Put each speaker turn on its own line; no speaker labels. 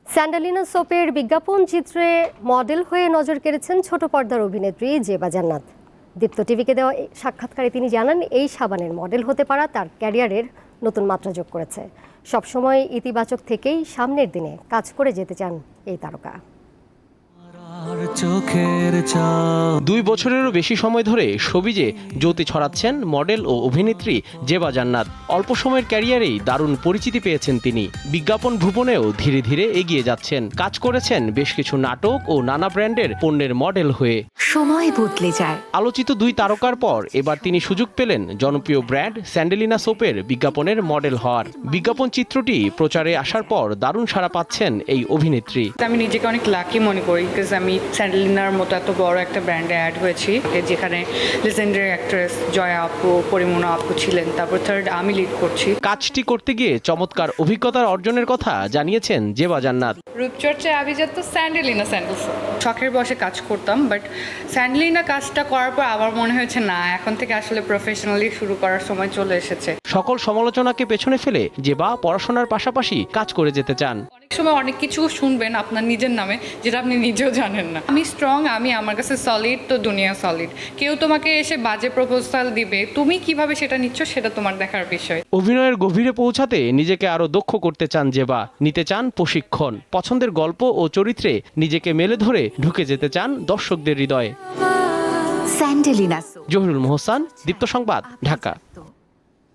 স্যান্ডালিনা সোপের বিজ্ঞাপন চিত্রে মডেল হয়ে নজর কেড়েছেন ছোট পর্দার অভিনেত্রী জেবা জান্নাত। দীপ্ত টিভিকে দেওয়া সাক্ষাৎকারে তিনি জানান, এই সাবানের মডেল হতে পারা তার ক্যারিয়ারের নতুন মাত্রা যোগ করেছে। সবসময় ইতিবাচক থেকেই সামনের দিনে কাজ করে যেতে চান এই তারকা।
2 বছরেরও বেশি সময় ধরে শোবিজে জ্যোতি ছড়াচ্ছেন মডেল ও অভিনেত্রী জেবা জান্নাত। অল্প সময়ের ক্যারিয়ারেই দারুণ পরিচিতি পেয়েছেন তিনি। বিজ্ঞাপন ভুবনেও ধীরে ধীরে এগিয়ে যাচ্ছেন। কাজ করেছেন বেশ কিছু নাটক ও নানা ব্র্যান্ডের পণ্যের মডেল হয়ে।
সময় বদলে যায়।
আলোচিত 2 তারকার পর এবার তিনি সুযোগ পেলেন জনপ্রিয় ব্র্যান্ড স্যান্ডালিনা সোপের বিজ্ঞাপনের মডেল হওয়ার। বিজ্ঞাপন চিত্রটি প্রচারে আসার পর দারুণ সাড়া পাচ্ছেন এই অভিনেত্রী।
আমি নিজেকে অনেক লাকি মনে করি, বিকজ আমি স্যান্ডালিনার মতো এত বড় একটা ব্র্যান্ডে অ্যাড হয়েছি, যেখানে লেজেন্ডারি অ্যাক্ট্রেস জয়া আপু, পরিমোনা আপু ছিলেন, তারপর থার্ড আমি লিড করছি।
কাজটি করতে গিয়ে চমৎকার অভিজ্ঞতার অর্জনের কথা জানিয়েছেন জেবা জান্নাত।
রূপচর্চায় আভিজাত স্যান্ডালিনা স্যান্ডেলস। শখের বসে কাজ করতাম, বাট স্যান্ডালিনা কাজটা করার পর আমার মনে হয়েছে না, এখন থেকে আসলে প্রফেশনালি শুরু করার সময় চলে এসেছে।
সকল সমালোচনাকে পেছনে ফেলে জেবা পড়াশোনার পাশাপাশি কাজ করে যেতে চান।
অনেক সময় অনেক কিছু শুনবেন আপনার নিজের নামে, যেটা আপনি নিজেও জানেন না। আমি স্ট্রং, আমি আমার কাছে সলিড, তো দুনিয়া সলিড। কেউ তোমাকে এসে বাজে প্রপোজাল দিবে, তুমি কিভাবে সেটা নিচ্ছ সেটা তোমার দেখার বিষয়।
অভিনয়ের গভীরে পৌঁছাতে নিজেকে আরো দক্ষ করতে চান জেবা। নিতে চান প্রশিক্ষণ। পছন্দের গল্প ও চরিত্রে নিজেকে মেলে ধরে ঢুকে যেতে চান দর্শকদের হৃদয়ে।
স্যান্ডালিনা।
জহিরুল মোহসান, দীপ্ত সংবাদ, ঢাকা।